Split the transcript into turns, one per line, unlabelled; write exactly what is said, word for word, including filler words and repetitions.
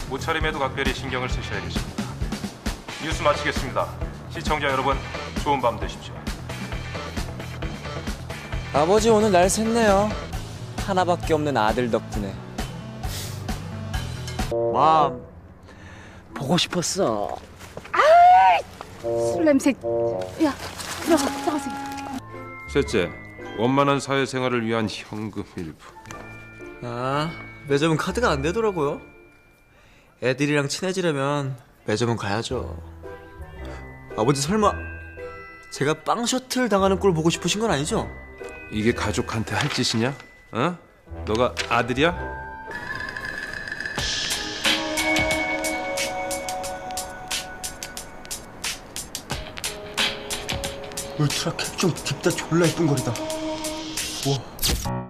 옷차림에도 각별히 신경을 쓰셔야겠습니다. 뉴스 마치겠습니다. 시청자 여러분, 좋은 밤 되십시오.
아버지 오늘 날 샜네요. 하나밖에 없는 아들 덕분에.
맘 보고 싶었어.
술 냄새. 야, 들어가, 들어가세요.
셋째, 원만한 사회생활을 위한 현금 일부.
아, 매점은 카드가 안 되더라고요. 애들이랑 친해지려면 매점은 가야죠. 아버지 설마 제가 빵 셔틀 당하는 꼴 보고 싶으신 건 아니죠?
이게 가족한테 할 짓이냐? 어? 너가 아들이야?
울트라 캡좀 딥다 졸라 예쁜 거리다. 우와.